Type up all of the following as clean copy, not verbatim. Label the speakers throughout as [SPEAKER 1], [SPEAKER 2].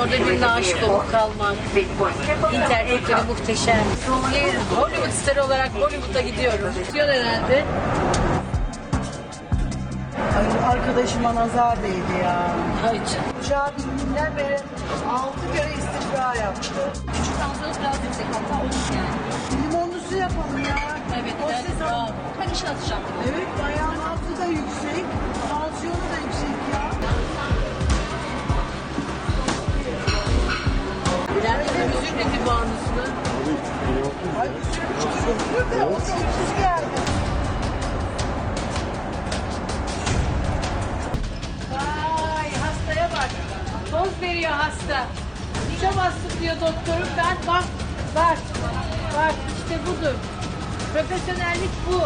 [SPEAKER 1] orada birine aşık olup kalmak. İnternetleri muhteşem. Bir Hollywood starı olarak Hollywood'a gidiyorum. Diyor herhalde.
[SPEAKER 2] Ay arkadaşıma nazar değdi ya.
[SPEAKER 1] Ay canım.
[SPEAKER 2] Uçağa bindiğinden beri 6 kere istifra yaptı.
[SPEAKER 1] Küçük tansiyonu biraz yüksek hatta olur yani.
[SPEAKER 2] Limonlu su yapalım ya.
[SPEAKER 1] Evet,
[SPEAKER 2] O
[SPEAKER 1] ben,
[SPEAKER 2] ses
[SPEAKER 1] bravo. Ben işe atacağım.
[SPEAKER 2] Evet, ayağın altı da yüksek. Tansiyonu da yüksek ya.
[SPEAKER 1] Bülent Hanım üzülmedi bu anısını.
[SPEAKER 2] Ay üzülmüş de o da ucuz geldi.
[SPEAKER 1] Vay hastaya bak. Toz veriyor hasta. Dişe bastım diyor doktorum. Ben bak. Bak işte budur. Profesyonellik bu.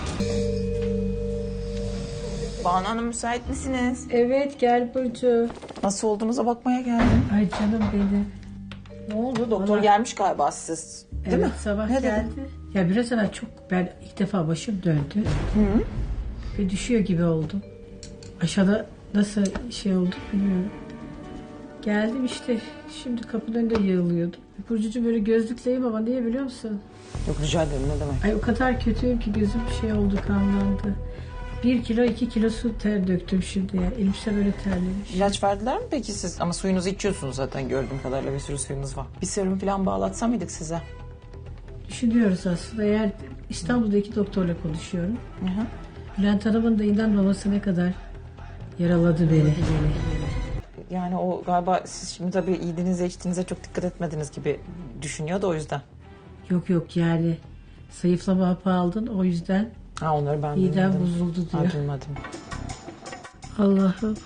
[SPEAKER 3] Banu Hanım müsait misiniz?
[SPEAKER 1] Evet gel Burcu.
[SPEAKER 3] Nasıl olduğunuza bakmaya geldim.
[SPEAKER 1] Ay canım benim.
[SPEAKER 3] Ne oldu? Doktor gelmiş galiba siz. Değil
[SPEAKER 1] Evet
[SPEAKER 3] mi?
[SPEAKER 1] sabah
[SPEAKER 3] Ne dedi?
[SPEAKER 1] geldi. Ya biraz evvel ben ilk defa başım döndü. Ve düşüyor gibi oldum. Aşağıda nasıl şey oldu bilmiyorum. Geldim işte şimdi kapının önünde yığılıyordum. Burcucu böyle gözlükleyim ama niye biliyor musun?
[SPEAKER 3] Yok rica ederim ne demek.
[SPEAKER 1] Ay o kadar kötüyüm ki gözüm şey oldu kanlandı. 1 kilo 2 kilo su ter döktüm şimdi ya. Elbise böyle terlemiş.
[SPEAKER 3] İlaç verdiler mi peki siz? Ama suyunuzu içiyorsunuz zaten gördüğüm kadarıyla bir sürü suyunuz var. Bir serum falan bağlatsa mıydık size?
[SPEAKER 1] Düşünüyoruz aslında eğer İstanbul'daki doktorla konuşuyorum.
[SPEAKER 3] Hı hı.
[SPEAKER 1] Bülent Hanım'ın da inanmaması ne kadar yaraladı beni.
[SPEAKER 3] Yani o galiba siz şimdi tabii yediğinize içtiğinize çok dikkat etmediniz gibi düşünüyor da o yüzden.
[SPEAKER 1] Yok yani zayıflama hapı aldın o yüzden
[SPEAKER 3] Ha onları ben
[SPEAKER 1] midem
[SPEAKER 3] duymadım.
[SPEAKER 1] bozuldu diyor.
[SPEAKER 3] Ha, duymadım.
[SPEAKER 1] Allah'ım.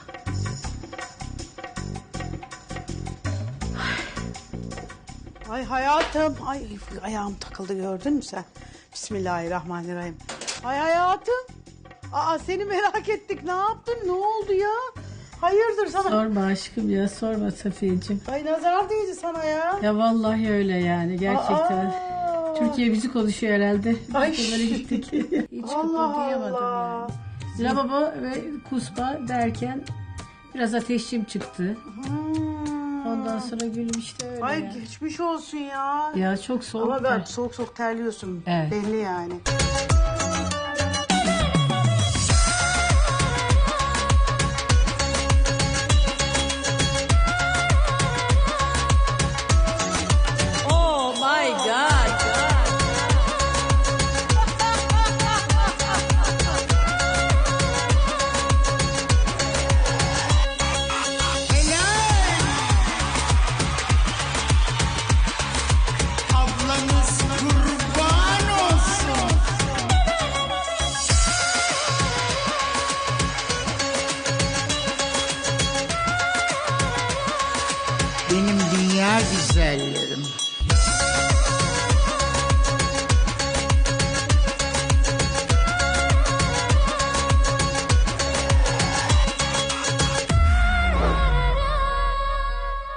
[SPEAKER 2] Ay hayatım. Ay ayağım takıldı gördün mü sen? Bismillahirrahmanirrahim. Ay hayatım. Aa seni merak ettik. Ne yaptın? Ne oldu ya? Hayırdır sana?
[SPEAKER 1] Sorma aşkım ya sorma Safiyeciğim.
[SPEAKER 2] Ay nazar değdi sana ya.
[SPEAKER 1] Ya vallahi öyle yani gerçekten.
[SPEAKER 2] Aa.
[SPEAKER 1] Türkiye bizi konuşuyor herhalde.
[SPEAKER 2] Ay.
[SPEAKER 1] Biz de böyle gittik. Hiç
[SPEAKER 2] Allah
[SPEAKER 1] kıpırdayamadım
[SPEAKER 2] Allah.
[SPEAKER 1] yani. Lavabo ve kusma derken biraz ateşim çıktı. Ondan sonra gülüm işte öyle.
[SPEAKER 2] Ay
[SPEAKER 1] yani.
[SPEAKER 2] geçmiş olsun ya.
[SPEAKER 1] Ya çok soğuk.
[SPEAKER 2] Ama ben
[SPEAKER 1] var.
[SPEAKER 2] soğuk soğuk terliyorsun.
[SPEAKER 1] Evet.
[SPEAKER 2] Belli yani.
[SPEAKER 1] Oh my God.
[SPEAKER 4] Ablanız kurban olsun. Benim dünya güzelleri.